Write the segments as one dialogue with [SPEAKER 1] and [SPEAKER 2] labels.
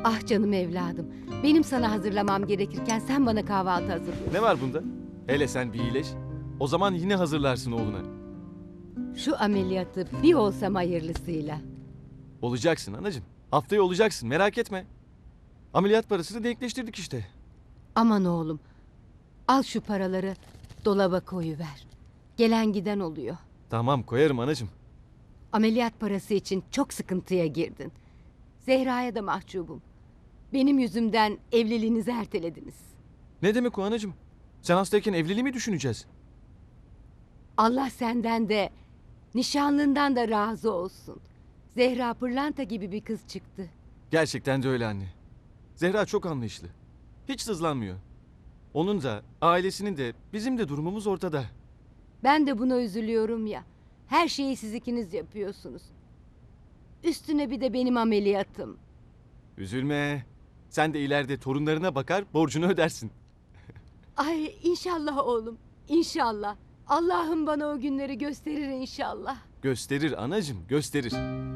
[SPEAKER 1] Ah canım evladım. Benim sana hazırlamam gerekirken sen bana kahvaltı hazırlıyorsun.
[SPEAKER 2] Ne var bunda? Hele sen bir iyileş. O zaman yine hazırlarsın oğluna.
[SPEAKER 1] Şu ameliyatı bir olsam hayırlısıyla.
[SPEAKER 2] Olacaksın anacığım. Haftaya olacaksın, merak etme. Ameliyat parasını denkleştirdik işte.
[SPEAKER 1] Aman oğlum. Al şu paraları dolaba koyuver. Gelen giden oluyor.
[SPEAKER 2] Tamam, koyarım anacığım.
[SPEAKER 1] Ameliyat parası için çok sıkıntıya girdin. Zehra'ya da mahcubum. Benim yüzümden evliliğinizi ertelediniz.
[SPEAKER 2] Ne demek o anacığım? Sen hastayken evliliği mi düşüneceğiz?
[SPEAKER 1] Allah senden de nişanlından da razı olsun. Zehra pırlanta gibi bir kız çıktı.
[SPEAKER 2] Gerçekten de öyle anne. Zehra çok anlayışlı. Hiç sızlanmıyor. Onun da, ailesinin de, bizim de durumumuz ortada.
[SPEAKER 1] Ben de buna üzülüyorum ya. Her şeyi siz ikiniz yapıyorsunuz. Üstüne bir de benim ameliyatım.
[SPEAKER 2] Üzülme. Sen de ileride torunlarına bakar, borcunu ödersin.
[SPEAKER 1] Ay inşallah oğlum. İnşallah. Allah'ım bana o günleri gösterir inşallah.
[SPEAKER 2] Gösterir anacığım, gösterir.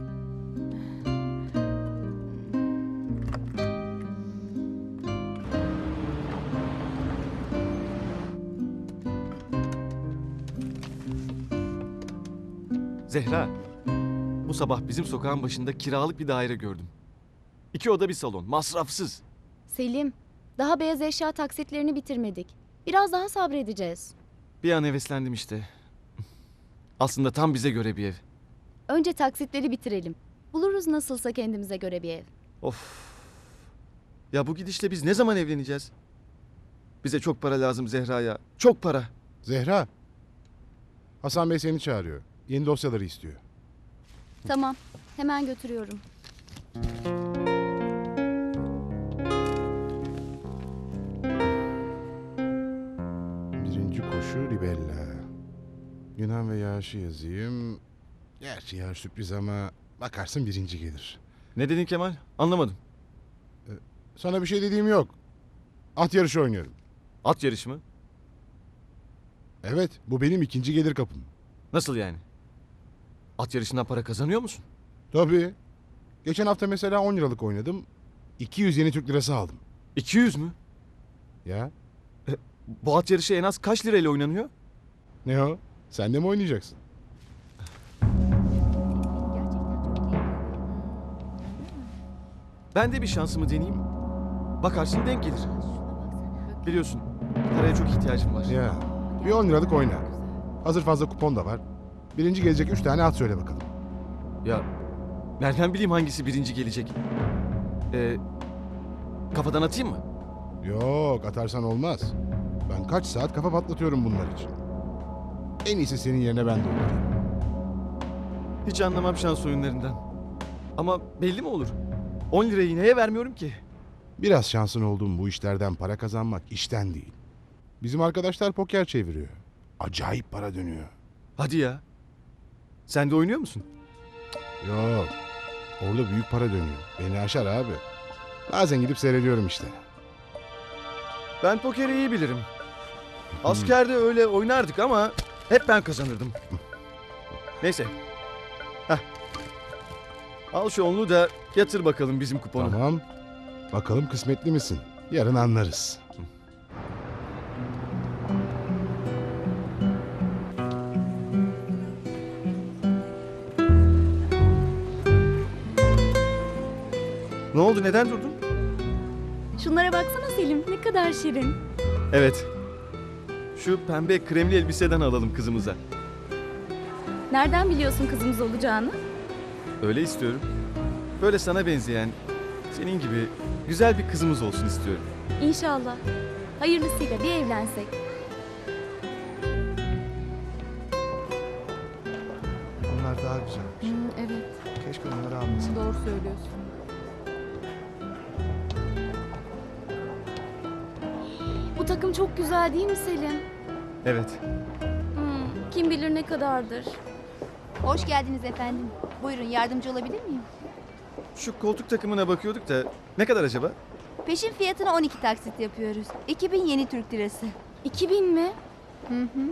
[SPEAKER 2] Zehra, bu sabah bizim sokağın başında kiralık bir daire gördüm. 2 oda bir salon, masrafsız.
[SPEAKER 3] Selim, daha beyaz eşya taksitlerini bitirmedik. Biraz daha sabredeceğiz.
[SPEAKER 2] Bir an heveslendim işte. Aslında tam bize göre bir ev.
[SPEAKER 3] Önce taksitleri bitirelim. Buluruz nasılsa kendimize göre bir ev.
[SPEAKER 2] Of. Ya bu gidişle biz ne zaman evleneceğiz? Bize çok para lazım Zehra ya. Çok para.
[SPEAKER 4] Zehra. Hasan Bey seni çağırıyor. Yeni dosyaları istiyor.
[SPEAKER 3] Tamam, hemen götürüyorum.
[SPEAKER 4] Birinci koşu Ribella. Yunan ve yağışı yazayım. Gerçi yağış sürpriz ama bakarsın birinci gelir.
[SPEAKER 2] Ne dedin Kemal? Anlamadım.
[SPEAKER 4] Sana bir şey dediğim yok. At yarışı oynuyorum.
[SPEAKER 2] At yarışı mı?
[SPEAKER 4] Evet, bu benim ikinci gelir kapım.
[SPEAKER 2] Nasıl yani? At yarışından para kazanıyor musun?
[SPEAKER 4] Tabii. Geçen hafta mesela 10 liralık oynadım. 200 yeni Türk lirası aldım.
[SPEAKER 2] 200 mü?
[SPEAKER 4] Ya,
[SPEAKER 2] Bu at yarışı en az kaç lirayla oynanıyor?
[SPEAKER 4] ne o? Sen de mi oynayacaksın?
[SPEAKER 2] Ben de bir şansımı deneyeyim. Bakarsın denk gelir. Biliyorsun paraya çok ihtiyacım var.
[SPEAKER 4] Ya, bir 10 liralık oyna. Hazır fazla kupon da var. Birinci gelecek 3 tane at söyle bakalım.
[SPEAKER 2] Ya nereden bileyim hangisi birinci gelecek? Kafadan atayım mı?
[SPEAKER 4] Yok, atarsan olmaz. Ben kaç saat kafa patlatıyorum bunlar için. En iyisi senin yerine ben de olurum.
[SPEAKER 2] Hiç anlamam şans oyunlarından. Ama belli mi olur? 10 lirayı neye vermiyorum ki?
[SPEAKER 4] Biraz şansın olduğum bu işlerden para kazanmak işten değil. Bizim arkadaşlar poker çeviriyor. Acayip para dönüyor.
[SPEAKER 2] Hadi ya. Sen de oynuyor musun?
[SPEAKER 4] Yok, orada büyük para dönüyor. Beni aşar abi. Bazen gidip seyrediyorum işte.
[SPEAKER 2] Ben pokeri iyi bilirim. Askerde öyle oynardık ama hep ben kazanırdım. Neyse. Heh. Al şu onlu da yatır bakalım bizim kuponu.
[SPEAKER 4] Tamam. Bakalım kısmetli misin? Yarın anlarız.
[SPEAKER 2] Ne oldu, neden durdun?
[SPEAKER 3] Şunlara baksana Selim, ne kadar şirin.
[SPEAKER 2] Evet. Şu pembe kremli elbiseden alalım kızımıza.
[SPEAKER 3] Nereden biliyorsun kızımız olacağını?
[SPEAKER 2] Öyle istiyorum. Böyle sana benzeyen, senin gibi güzel bir kızımız olsun istiyorum.
[SPEAKER 3] İnşallah. Hayırlısıyla bir evlensek.
[SPEAKER 5] Onlar daha güzelmiş.
[SPEAKER 3] Evet,
[SPEAKER 5] Keşke onları almasın.
[SPEAKER 3] doğru söylüyorsun. Bu takım çok güzel değil mi Selim?
[SPEAKER 2] Evet.
[SPEAKER 3] Kim bilir ne kadardır.
[SPEAKER 6] Hoş geldiniz efendim. Buyurun yardımcı olabilir miyim?
[SPEAKER 2] Şu koltuk takımına bakıyorduk da ne kadar acaba?
[SPEAKER 6] Peşin fiyatına 12 taksit yapıyoruz. 2000 yeni Türk lirası.
[SPEAKER 3] 2000 mi?
[SPEAKER 6] Hı hı.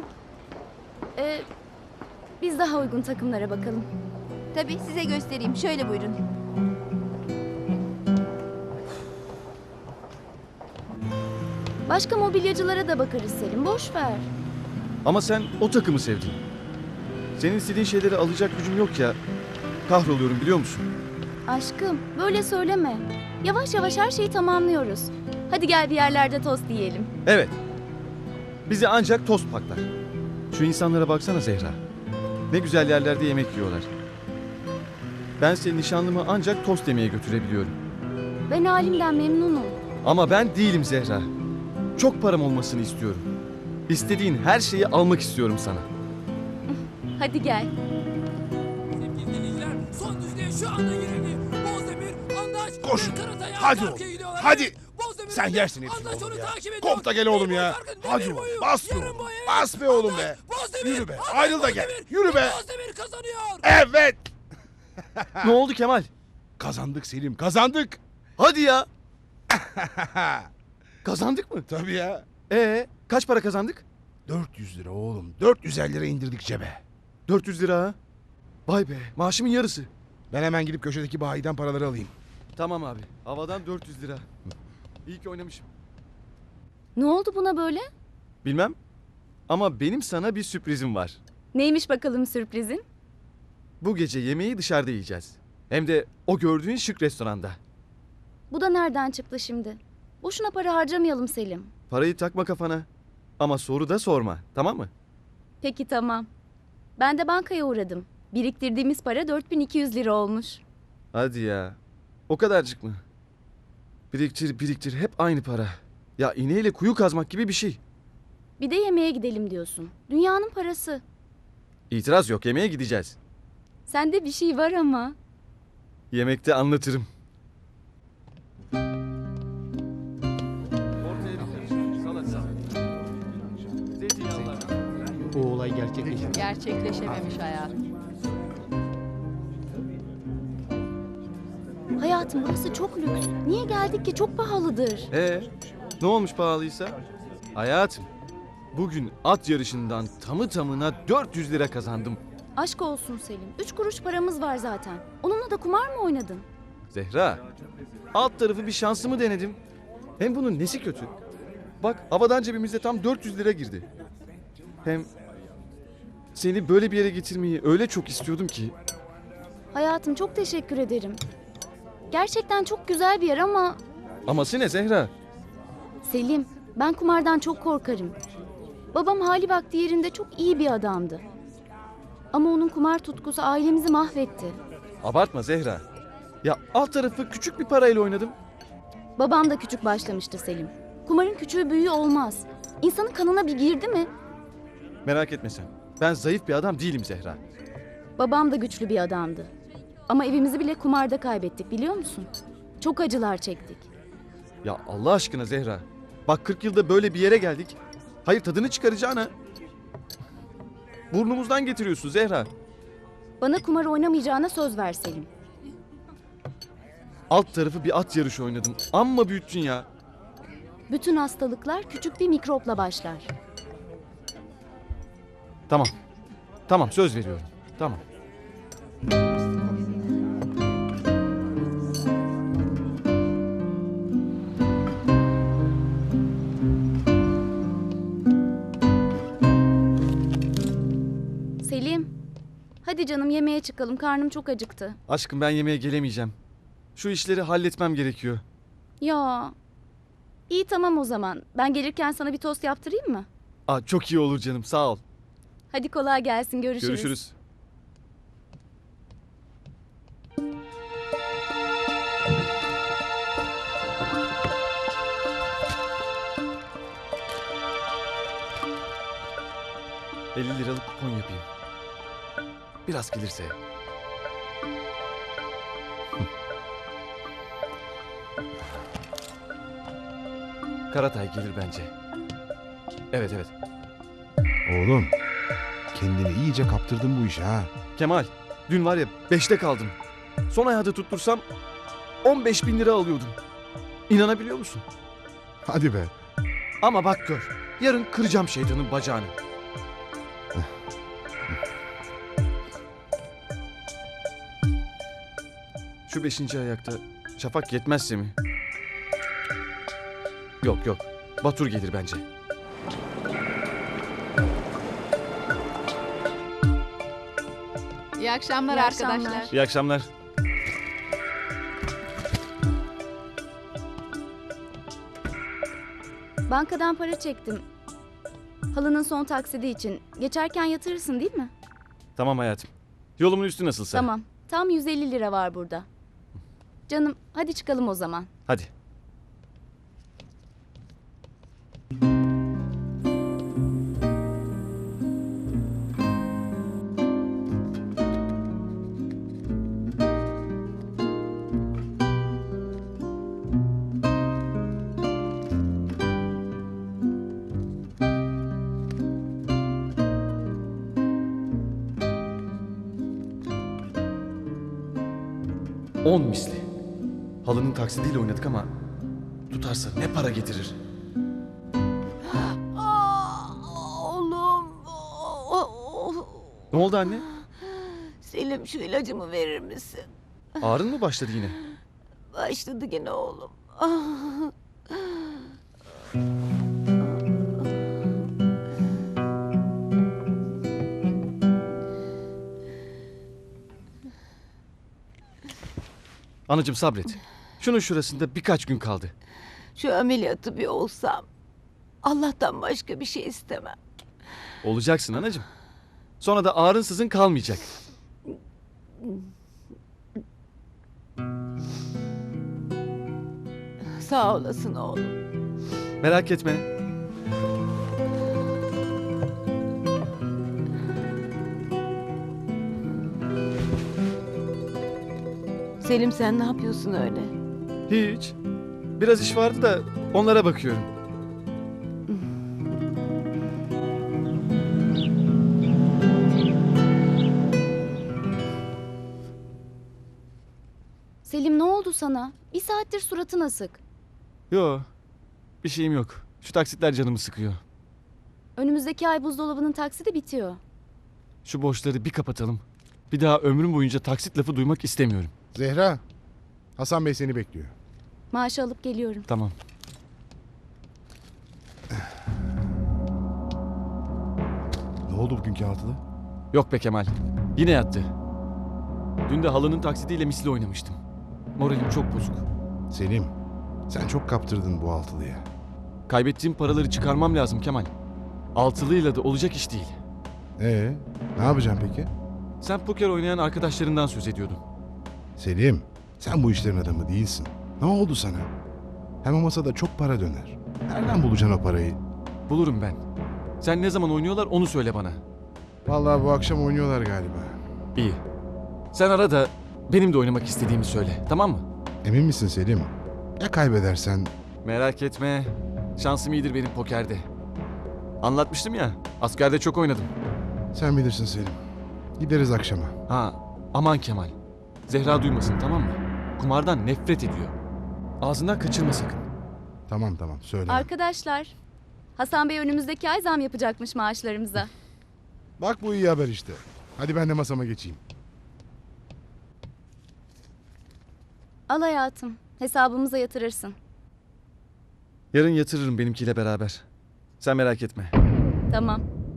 [SPEAKER 3] Biz daha uygun takımlara bakalım.
[SPEAKER 6] Tabii size göstereyim. Şöyle buyurun.
[SPEAKER 3] Başka mobilyacılara da bakarız Selim. Boş ver.
[SPEAKER 2] Ama sen o takımı sevdin. Senin istediğin şeyleri alacak gücüm yok ya. Kahroluyorum biliyor musun?
[SPEAKER 3] Aşkım böyle söyleme. Yavaş yavaş her şeyi tamamlıyoruz. Hadi gel bir yerlerde tost yiyelim.
[SPEAKER 2] Evet. Bizi ancak tost paklar. Şu insanlara baksana Zehra. Ne güzel yerlerde yemek yiyorlar. Ben senin nişanlımı ancak tost yemeye götürebiliyorum.
[SPEAKER 3] Ben halimden memnunum.
[SPEAKER 2] Ama ben değilim Zehra. Çok param olmasını istiyorum. İstediğin her şeyi almak istiyorum sana.
[SPEAKER 3] Hadi gel.
[SPEAKER 7] Sevgili dinleyiciler, son düzlüğe şu anda girildi. Bozdemir, Andaç
[SPEAKER 4] Koş.
[SPEAKER 7] ve Karatay
[SPEAKER 4] Hadi
[SPEAKER 7] arka
[SPEAKER 4] oğlum,
[SPEAKER 7] arkaya gidiyorlar.
[SPEAKER 4] hadi.
[SPEAKER 7] Evet, Bozdemir
[SPEAKER 4] Sen
[SPEAKER 7] önde.
[SPEAKER 4] yersin hepsini
[SPEAKER 7] Andaç
[SPEAKER 4] oğlum
[SPEAKER 7] onu
[SPEAKER 4] ya.
[SPEAKER 7] takip ediyor.
[SPEAKER 4] Kop da gel oğlum
[SPEAKER 7] Bir
[SPEAKER 4] ya.
[SPEAKER 7] boy farkın,
[SPEAKER 4] Hadi
[SPEAKER 7] demir
[SPEAKER 4] oğlum,
[SPEAKER 7] boyu,
[SPEAKER 4] bas be
[SPEAKER 7] yarım
[SPEAKER 4] oğlum.
[SPEAKER 7] boy, evet.
[SPEAKER 4] Bas be oğlum be.
[SPEAKER 7] Bozdemir,
[SPEAKER 4] Yürü be,
[SPEAKER 7] Andaç,
[SPEAKER 4] ayrıl da gel.
[SPEAKER 7] Bozdemir.
[SPEAKER 4] Yürü be.
[SPEAKER 7] Bozdemir kazanıyor.
[SPEAKER 4] Evet.
[SPEAKER 2] Ne oldu Kemal?
[SPEAKER 4] Kazandık Selim, kazandık.
[SPEAKER 2] Hadi ya. Kazandık mı?
[SPEAKER 4] Tabii ya.
[SPEAKER 2] Kaç para kazandık?
[SPEAKER 4] 400 lira oğlum. 450 lira indirdik cebe.
[SPEAKER 2] 400 lira ha. Vay be, maaşımın yarısı.
[SPEAKER 4] Ben hemen gidip köşedeki bayiden paraları alayım.
[SPEAKER 2] Tamam abi, havadan 400 lira. İyi ki oynamışım.
[SPEAKER 3] Ne oldu buna böyle?
[SPEAKER 2] Bilmem ama benim sana bir sürprizim var.
[SPEAKER 3] Neymiş bakalım sürprizin?
[SPEAKER 2] Bu gece yemeği dışarıda yiyeceğiz. Hem de o gördüğün şık restoranda.
[SPEAKER 3] Bu da nereden çıktı şimdi? Boşuna para harcamayalım Selim.
[SPEAKER 2] Parayı takma kafana. Ama soru da sorma, tamam mı?
[SPEAKER 3] Peki tamam. Ben de bankaya uğradım. Biriktirdiğimiz para 4200 lira olmuş.
[SPEAKER 2] Hadi ya. O kadarcık mı? Biriktir biriktir hep aynı para. Ya iğneyle kuyu kazmak gibi bir şey.
[SPEAKER 3] Bir de yemeğe gidelim diyorsun. Dünyanın parası.
[SPEAKER 2] İtiraz yok, yemeğe gideceğiz.
[SPEAKER 3] Sende bir şey var ama.
[SPEAKER 2] Yemekte anlatırım.
[SPEAKER 8] Bu olay gerçekleşti.
[SPEAKER 9] Gerçekleşememiş hayatım.
[SPEAKER 3] Hayatım burası çok lüks. Niye geldik ki? Çok pahalıdır.
[SPEAKER 2] Ne olmuş pahalıysa? Hayatım, bugün at yarışından tamı tamına 400 lira kazandım.
[SPEAKER 3] Aşk olsun Selim. 3 kuruş paramız var zaten. Onunla da kumar mı oynadın?
[SPEAKER 2] Zehra, alt tarafı bir şansımı denedim. Hem bunun nesi kötü? Bak havadan cebimize tam 400 lira girdi. Hem seni böyle bir yere getirmeyi öyle çok istiyordum ki.
[SPEAKER 3] Hayatım çok teşekkür ederim. Gerçekten çok güzel bir yer ama...
[SPEAKER 2] Aması ne Zehra?
[SPEAKER 3] Selim, ben kumardan çok korkarım. Babam hali vakti yerinde çok iyi bir adamdı. Ama onun kumar tutkusu ailemizi mahvetti.
[SPEAKER 2] Abartma Zehra. Ya alt tarafı küçük bir parayla oynadım.
[SPEAKER 3] Babam da küçük başlamıştı Selim. Kumarın küçüğü büyüğü olmaz. İnsanın kanına bir girdi mi?
[SPEAKER 2] Merak etme sen. Ben zayıf bir adam değilim Zehra.
[SPEAKER 3] Babam da güçlü bir adamdı. Ama evimizi bile kumarda kaybettik biliyor musun? Çok acılar çektik.
[SPEAKER 2] Ya Allah aşkına Zehra. Bak 40 yılda böyle bir yere geldik. Hayır tadını çıkaracağına. Burnumuzdan getiriyorsun Zehra.
[SPEAKER 3] Bana kumar oynamayacağına söz ver Selim.
[SPEAKER 2] Alt tarafı bir at yarışı oynadım. Amma büyüttün ya.
[SPEAKER 3] Bütün hastalıklar küçük bir mikropla başlar.
[SPEAKER 2] Tamam. Tamam söz veriyorum. Tamam.
[SPEAKER 3] Selim, hadi canım yemeğe çıkalım. Karnım çok acıktı.
[SPEAKER 2] Aşkım ben yemeğe gelemeyeceğim. Şu işleri halletmem gerekiyor.
[SPEAKER 3] Ya, iyi tamam o zaman. Ben gelirken sana bir tost yaptırayım mı?
[SPEAKER 2] Çok iyi olur canım sağ ol.
[SPEAKER 3] Hadi kolay gelsin. Görüşürüz.
[SPEAKER 2] Görüşürüz. ...50 liralık kupon yapayım. Biraz gelirse. Karatay gelir bence. Evet evet.
[SPEAKER 4] Oğlum, kendini iyice kaptırdın bu işe ha.
[SPEAKER 2] Kemal, dün var ya 5'te kaldım. Son ayağda tuttursam 15 bin lira alıyordum. İnanabiliyor musun?
[SPEAKER 4] Hadi be.
[SPEAKER 2] Ama bak gör, yarın kıracağım şeytanın bacağını. Şu 5. ayakta şafak yetmezse mi? Yok yok, Batur gelir bence.
[SPEAKER 9] İyi akşamlar
[SPEAKER 3] İyi
[SPEAKER 9] arkadaşlar.
[SPEAKER 3] akşamlar.
[SPEAKER 2] İyi akşamlar.
[SPEAKER 3] Bankadan para çektim. Halının son taksidi için. Geçerken yatırırsın değil mi?
[SPEAKER 2] Tamam hayatım. Yolumun üstü nasılsa.
[SPEAKER 3] Tamam. Tam 150 lira var burada. Canım hadi çıkalım o zaman.
[SPEAKER 2] Hadi. On misli. Halının taksidiyle oynadık ama tutarsa ne para getirir?
[SPEAKER 1] Oğlum.
[SPEAKER 2] Ne oldu anne?
[SPEAKER 1] Selim şu ilacımı verir misin?
[SPEAKER 2] Ağrın mı başladı yine?
[SPEAKER 1] Başladı gene oğlum.
[SPEAKER 2] Anacığım sabret. Şunun şurasında birkaç gün kaldı.
[SPEAKER 1] Şu ameliyatı bir olsam. Allah'tan başka bir şey istemem.
[SPEAKER 2] Olacaksın anacığım. Sonra da ağrın sızın kalmayacak.
[SPEAKER 1] Sağ olasın oğlum.
[SPEAKER 2] Merak etme.
[SPEAKER 1] Selim sen ne yapıyorsun öyle?
[SPEAKER 2] Hiç. Biraz iş vardı da onlara bakıyorum.
[SPEAKER 3] Selim ne oldu sana? Bir saattir suratın asık.
[SPEAKER 2] Yo. Bir şeyim yok. Şu taksitler canımı sıkıyor.
[SPEAKER 3] Önümüzdeki ay buzdolabının taksidi bitiyor.
[SPEAKER 2] Şu borçları bir kapatalım. Bir daha ömrüm boyunca taksit lafı duymak istemiyorum.
[SPEAKER 4] Zehra, Hasan Bey seni bekliyor.
[SPEAKER 3] Maaşı alıp geliyorum.
[SPEAKER 2] Tamam.
[SPEAKER 4] Ne oldu bugünkü altılı?
[SPEAKER 2] Yok be Kemal. Yine yattı. Dün de halının taksidiyle misli oynamıştım. Moralim çok bozuk.
[SPEAKER 4] Selim, sen çok kaptırdın bu altılıya.
[SPEAKER 2] Kaybettiğim paraları çıkarmam lazım Kemal. Altılıyla da olacak iş değil.
[SPEAKER 4] Ne yapacağım peki?
[SPEAKER 2] Sen poker oynayan arkadaşlarından söz ediyordun.
[SPEAKER 4] Selim, sen bu işlerin adamı değilsin. Ne oldu sana? Hem o masada çok para döner. Nereden bulacaksın o parayı?
[SPEAKER 2] Bulurum ben. Sen ne zaman oynuyorlar onu söyle bana.
[SPEAKER 4] Vallahi bu akşam oynuyorlar galiba.
[SPEAKER 2] İyi. Sen ara da benim de oynamak istediğimi söyle. Tamam mı?
[SPEAKER 4] Emin misin Selim? Ya kaybedersen?
[SPEAKER 2] Merak etme. Şansım iyidir benim pokerde. Anlatmıştım ya. Askerde çok oynadım.
[SPEAKER 4] Sen bilirsin Selim. Gideriz akşama.
[SPEAKER 2] Ha, aman Kemal. Zehra duymasın tamam mı? Kumardan nefret ediyor. Ağzından kaçırma sakın.
[SPEAKER 4] Tamam söyle.
[SPEAKER 3] Arkadaşlar, Hasan Bey önümüzdeki ay zam yapacakmış maaşlarımıza.
[SPEAKER 4] Bak bu iyi haber işte. Hadi ben de masama geçeyim.
[SPEAKER 3] Al hayatım, hesabımıza yatırırsın.
[SPEAKER 2] Yarın yatırırım benimkiyle beraber. Sen merak etme.
[SPEAKER 3] Tamam.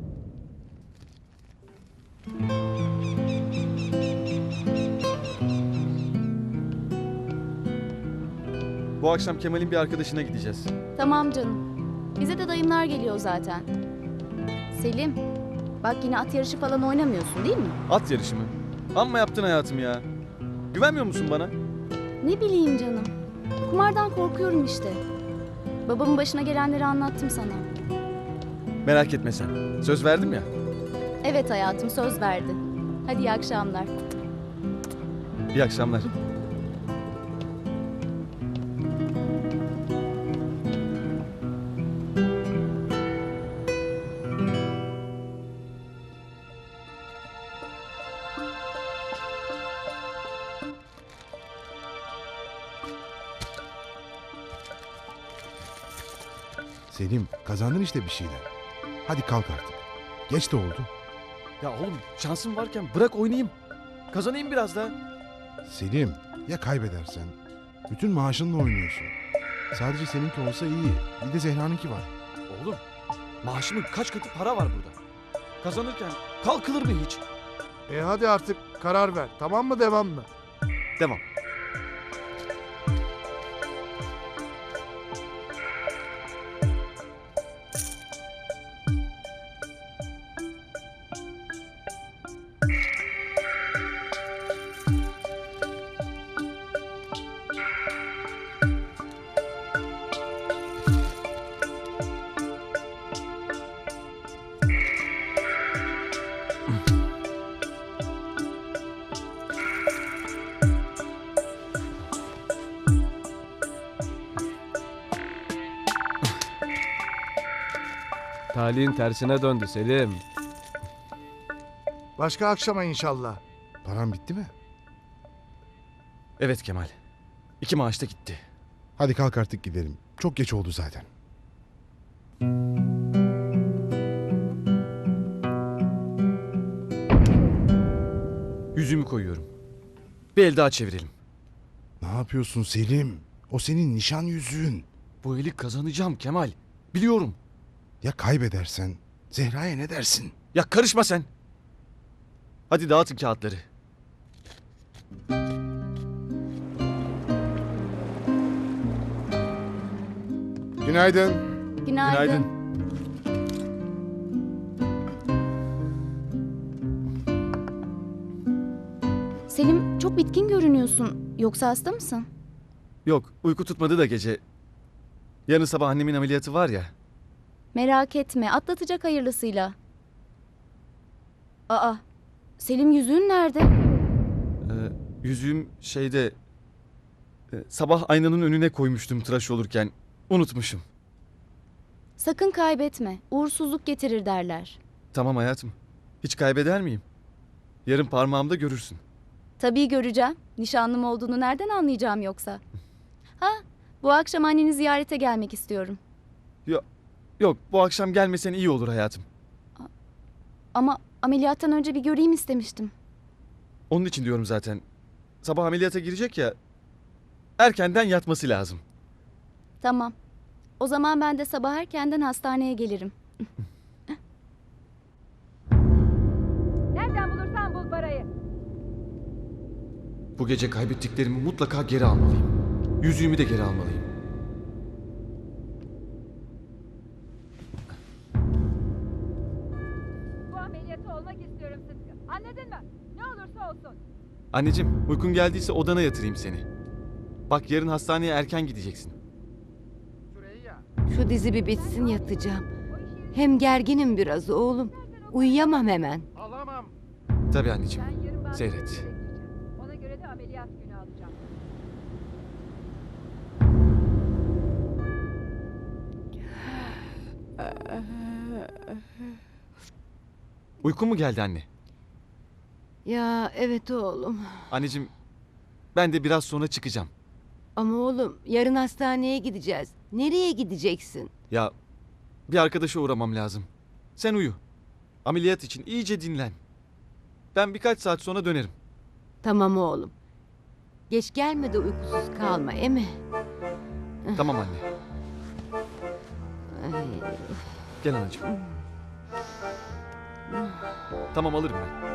[SPEAKER 2] Bu akşam Kemal'in bir arkadaşına gideceğiz.
[SPEAKER 3] Tamam canım. Bize de dayımlar geliyor zaten. Selim, bak yine at yarışı falan oynamıyorsun değil mi?
[SPEAKER 2] At yarışı mı? Amma yaptın hayatım ya. Güvenmiyor musun bana?
[SPEAKER 3] Ne bileyim canım. Kumardan korkuyorum işte. Babamın başına gelenleri anlattım sana.
[SPEAKER 2] Merak etme sen. Söz verdim ya.
[SPEAKER 3] Evet hayatım, söz verdi. Hadi iyi akşamlar.
[SPEAKER 2] İyi akşamlar.
[SPEAKER 4] Selim, kazandın işte bir şeyler. Hadi kalk artık. Geç de oldu.
[SPEAKER 2] Ya oğlum şansım varken bırak oynayayım. Kazanayım biraz daha.
[SPEAKER 4] Selim, ya kaybedersen? Bütün maaşınla oynuyorsun. Sadece seninki olsa iyi. Bir de Zehra'nınki var.
[SPEAKER 2] Oğlum maaşımın kaç katı para var burada. Kazanırken kalkılır mı hiç?
[SPEAKER 5] Hadi artık karar ver. Tamam mı devam mı?
[SPEAKER 2] Devam.
[SPEAKER 8] Talihin tersine döndü Selim.
[SPEAKER 5] Başka akşama inşallah.
[SPEAKER 4] Param bitti mi?
[SPEAKER 2] Evet Kemal. 2 maaş da gitti.
[SPEAKER 4] Hadi kalk artık gidelim. Çok geç oldu zaten.
[SPEAKER 2] Yüzümü koyuyorum. Bir el daha çevirelim.
[SPEAKER 4] Ne yapıyorsun Selim? O senin nişan yüzüğün.
[SPEAKER 2] Bu eli kazanacağım Kemal. Biliyorum.
[SPEAKER 4] Ya kaybedersen? Zehra'ya ne dersin?
[SPEAKER 2] Ya karışma sen. Hadi dağıtın kağıtları.
[SPEAKER 4] Günaydın.
[SPEAKER 3] Günaydın.
[SPEAKER 2] Günaydın.
[SPEAKER 3] Selim, çok bitkin görünüyorsun. Yoksa hasta mısın?
[SPEAKER 2] Yok, uyku tutmadı da gece. Yarın sabah annemin ameliyatı var ya.
[SPEAKER 3] Merak etme, atlatacak hayırlısıyla. Aa, Selim yüzüğün nerede?
[SPEAKER 2] Yüzüğüm şeyde... sabah aynanın önüne koymuştum tıraş olurken. Unutmuşum.
[SPEAKER 3] Sakın kaybetme. Uğursuzluk getirir derler.
[SPEAKER 2] Tamam hayatım. Hiç kaybeder miyim? Yarın parmağımda görürsün.
[SPEAKER 3] Tabii göreceğim. Nişanlım olduğunu nereden anlayacağım yoksa? Ha, bu akşam anneni ziyarete gelmek istiyorum.
[SPEAKER 2] Yok, bu akşam gelmesen iyi olur hayatım.
[SPEAKER 3] Ama ameliyattan önce bir göreyim istemiştim.
[SPEAKER 2] Onun için diyorum zaten. Sabah ameliyata girecek ya. Erkenden yatması lazım.
[SPEAKER 3] Tamam. O zaman ben de sabah erkenden hastaneye gelirim.
[SPEAKER 1] Nereden bulursan bul parayı.
[SPEAKER 2] Bu gece kaybettiklerimi mutlaka geri almalıyım. Yüzüğümü de geri almalıyım.
[SPEAKER 1] Bu ameliyatı olmak istiyorum Sıtkı. Anladın mı? Ne olursa olsun.
[SPEAKER 2] Anneciğim, uykun geldiyse odana yatırayım seni. Bak yarın hastaneye erken gideceksin.
[SPEAKER 1] Şu dizi bir bitsin yatacağım. Hem gerginim biraz oğlum. Uyuyamam hemen.
[SPEAKER 2] Tabii anneciğim. Seyret.
[SPEAKER 1] Ona göre de ameliyat günü alacağım.
[SPEAKER 2] Uykun mu geldi anne?
[SPEAKER 1] Ya evet oğlum.
[SPEAKER 2] Anneciğim, ben de biraz sonra çıkacağım.
[SPEAKER 1] Ama oğlum yarın hastaneye gideceğiz. Nereye gideceksin?
[SPEAKER 2] Ya bir arkadaşa uğramam lazım. Sen uyu. Ameliyat için iyice dinlen. Ben birkaç saat sonra dönerim.
[SPEAKER 1] Tamam oğlum. Geç gelme de uykusuz kalma, emi?
[SPEAKER 2] Tamam anne.
[SPEAKER 1] Ay,
[SPEAKER 2] Gel anacığım. Tamam alırım ben.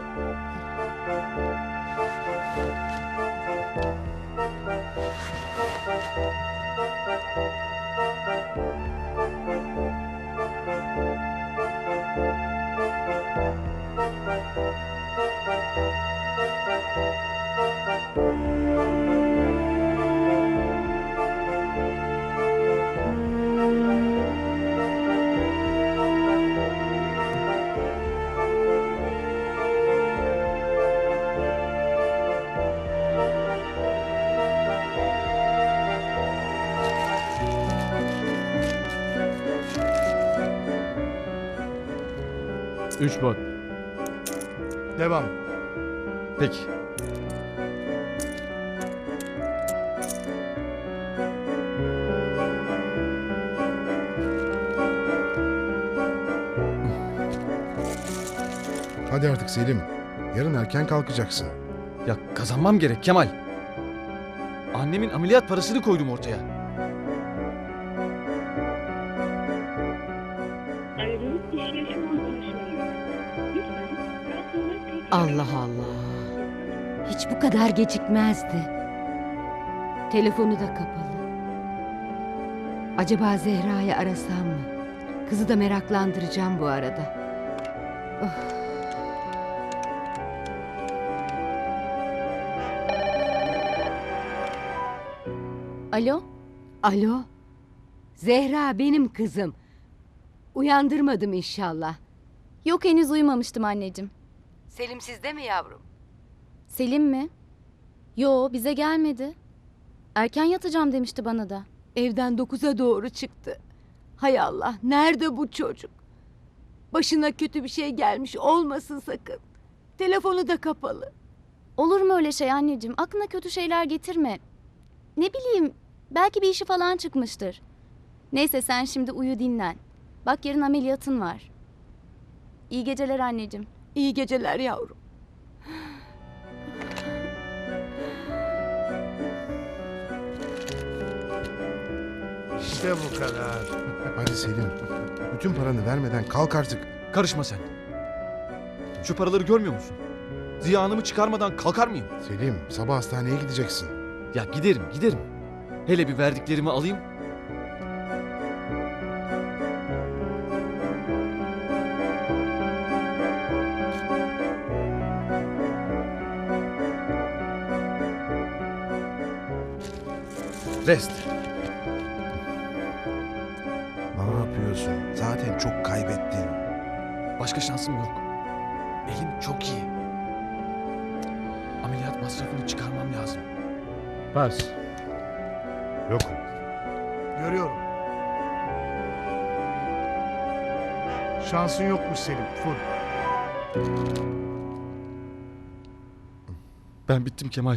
[SPEAKER 8] Üç bot.
[SPEAKER 5] Devam.
[SPEAKER 2] Peki.
[SPEAKER 4] Hadi artık Selim. Yarın erken kalkacaksın.
[SPEAKER 2] Ya kazanmam gerek Kemal. Annemin ameliyat parasını koydum ortaya.
[SPEAKER 1] Allah Allah. Hiç bu kadar gecikmezdi. Telefonu da kapalı. Acaba Zehra'yı arasam mı? Kızı da meraklandıracağım bu arada.
[SPEAKER 3] Alo?
[SPEAKER 1] Alo? Zehra benim kızım. Uyandırmadım inşallah.
[SPEAKER 3] Yok, henüz uyumamıştım anneciğim.
[SPEAKER 1] Selim sizde mi yavrum?
[SPEAKER 3] Selim mi? Yo, bize gelmedi. Erken yatacağım demişti bana da.
[SPEAKER 1] Evden 9'a doğru çıktı. Hay Allah, nerede bu çocuk? Başına kötü bir şey gelmiş olmasın sakın. Telefonu da kapalı.
[SPEAKER 3] Olur mu öyle şey anneciğim? Aklına kötü şeyler getirme. Ne bileyim, belki bir işi falan çıkmıştır. Neyse sen şimdi uyu dinlen. Bak yarın ameliyatın var. İyi geceler anneciğim.
[SPEAKER 1] İyi geceler yavrum.
[SPEAKER 5] İşte bu kadar.
[SPEAKER 4] Hadi Selim. Bütün paranı vermeden kalk artık.
[SPEAKER 2] Karışma sen. Şu paraları görmüyor musun? Ziyanımı çıkarmadan kalkar mıyım?
[SPEAKER 4] Selim, sabah hastaneye gideceksin.
[SPEAKER 2] Ya giderim. Hele bir verdiklerimi alayım. Rest.
[SPEAKER 4] Ne yapıyorsun? Zaten çok kaybettin.
[SPEAKER 2] Başka şansım yok. Elim çok iyi. Ameliyat masrafını çıkarmam lazım.
[SPEAKER 8] Pas.
[SPEAKER 4] Yok.
[SPEAKER 5] Görüyorum. Şansın yokmuş Selim. Full.
[SPEAKER 2] Ben bittim Kemal.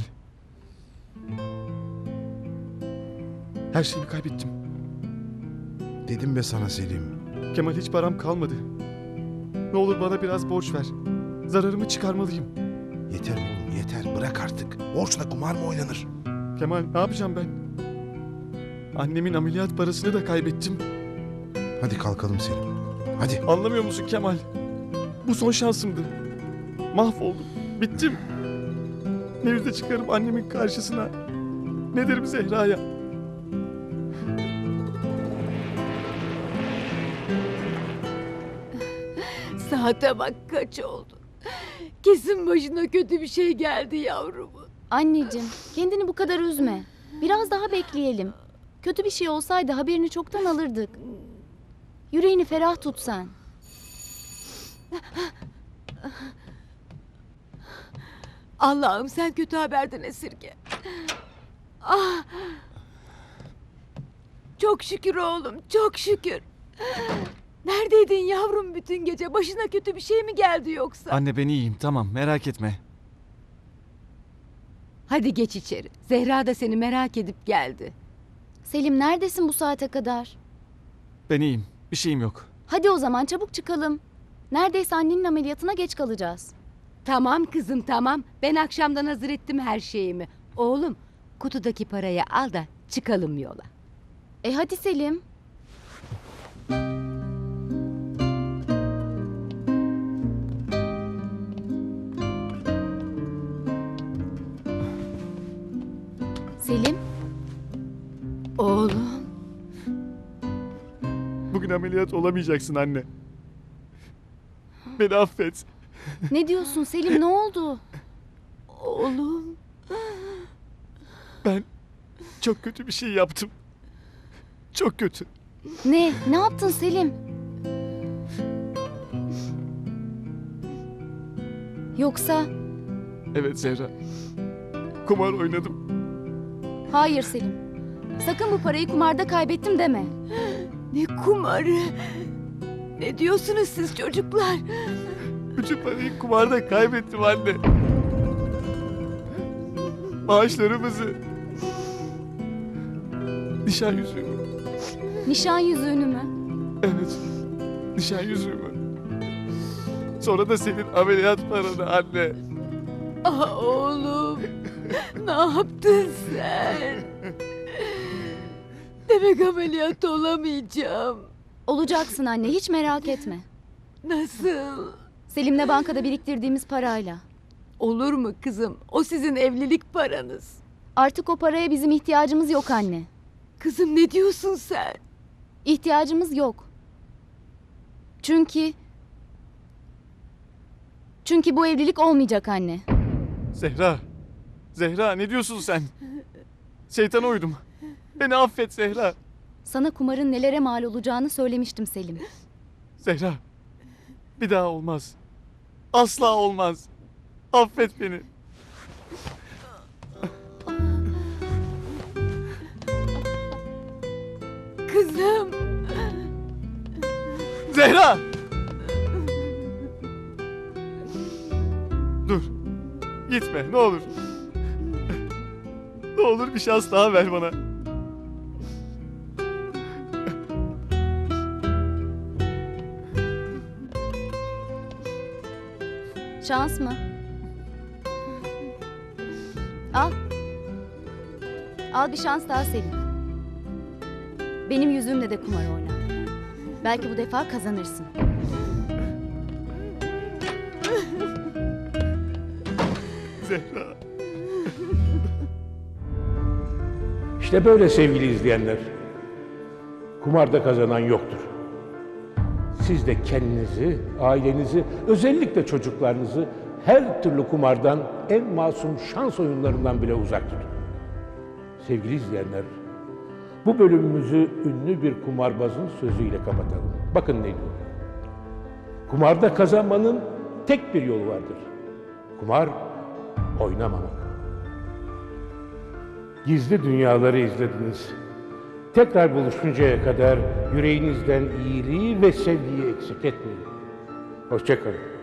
[SPEAKER 2] Her şeyimi kaybettim.
[SPEAKER 4] Dedim be sana Selim.
[SPEAKER 2] Kemal hiç param kalmadı. Ne olur bana biraz borç ver. Zararımı çıkarmalıyım.
[SPEAKER 4] Yeter oğlum yeter. Bırak artık. Borçla kumar mı oynanır?
[SPEAKER 2] Kemal ne yapacağım ben? Annemin ameliyat parasını da kaybettim.
[SPEAKER 4] Hadi kalkalım Selim. Hadi.
[SPEAKER 2] Anlamıyor musun Kemal? Bu son şansımdı. Mahvoldum. Bittim. Ne yüzle çıkarım annemin karşısına? Ne derim Zehra'ya?
[SPEAKER 1] Saate bak kaç oldu. Kesin başına kötü bir şey geldi yavrumun.
[SPEAKER 3] Anneciğim, kendini bu kadar üzme. Biraz daha bekleyelim. Kötü bir şey olsaydı haberini çoktan alırdık. Yüreğini ferah tut sen.
[SPEAKER 1] Allah'ım sen kötü haberden esirge. Ah! Çok şükür oğlum, çok şükür. Neredeydin yavrum bütün gece? Başına kötü bir şey mi geldi yoksa?
[SPEAKER 2] Anne ben iyiyim tamam merak etme.
[SPEAKER 1] Hadi geç içeri. Zehra da seni merak edip geldi.
[SPEAKER 3] Selim neredesin bu saate kadar?
[SPEAKER 2] Ben iyiyim. Bir şeyim yok.
[SPEAKER 3] Hadi o zaman çabuk çıkalım. Neredeyse annenin ameliyatına geç kalacağız.
[SPEAKER 1] Tamam kızım tamam. Ben akşamdan hazır ettim her şeyimi. Oğlum kutudaki parayı al da çıkalım yola.
[SPEAKER 3] Hadi Selim. Selim,
[SPEAKER 1] Oğlum.
[SPEAKER 2] Bugün ameliyat olamayacaksın anne. Beni affet.
[SPEAKER 3] ne diyorsun Selim, ne oldu?
[SPEAKER 1] Oğlum.
[SPEAKER 2] Ben çok kötü bir şey yaptım. Çok kötü.
[SPEAKER 3] Ne yaptın Selim? Yoksa...
[SPEAKER 2] Evet Zehra. Kumar oynadım.
[SPEAKER 3] Hayır Selim. Sakın bu parayı kumarda kaybettim deme.
[SPEAKER 1] Ne kumarı. Ne diyorsunuz siz çocuklar?
[SPEAKER 2] Bütün parayı kumarda kaybettim anne. Maaşlarımızı. Nişan yüzüğümü.
[SPEAKER 3] Nişan yüzüğünü mü?
[SPEAKER 2] Evet. Nişan yüzüğümü. Sonra da senin ameliyat paranı anne.
[SPEAKER 1] Ah oğlum. Ne yaptın sen? Demek ameliyat olamayacağım.
[SPEAKER 3] Olacaksın anne, hiç merak etme.
[SPEAKER 1] Nasıl?
[SPEAKER 3] Selim'le bankada biriktirdiğimiz parayla.
[SPEAKER 1] Olur mu kızım? O sizin evlilik paranız.
[SPEAKER 3] Artık o paraya bizim ihtiyacımız yok anne.
[SPEAKER 1] Kızım ne diyorsun sen?
[SPEAKER 3] İhtiyacımız yok. Çünkü bu evlilik olmayacak anne.
[SPEAKER 2] Zehra. Zehra ne diyorsun sen? Şeytana uydum. Beni affet Zehra.
[SPEAKER 3] Sana kumarın nelere mal olacağını söylemiştim Selim.
[SPEAKER 2] Zehra. Bir daha olmaz. Asla olmaz. Affet beni.
[SPEAKER 1] Kızım.
[SPEAKER 2] Zehra! Dur. Gitme ne olur. Ne olur bir şans daha ver bana.
[SPEAKER 3] Şans mı? Al. Al bir şans daha Selim. Benim yüzümle de kumar oyna. Belki bu defa kazanırsın.
[SPEAKER 2] Zehra.
[SPEAKER 10] İşte böyle sevgili izleyenler. Kumarda kazanan yoktur. Siz de kendinizi, ailenizi, özellikle çocuklarınızı her türlü kumardan, en masum şans oyunlarından bile uzak tutun. Sevgili izleyenler, bu bölümümüzü ünlü bir kumarbazın sözüyle kapatalım. Bakın ne diyor? Kumarda kazanmanın tek bir yolu vardır. Kumar, oynamamak. Gizli dünyaları izlediniz. Tekrar buluşuncaya kadar yüreğinizden iyiliği ve sevgiyi eksik etmeyin. Hoşça kalın.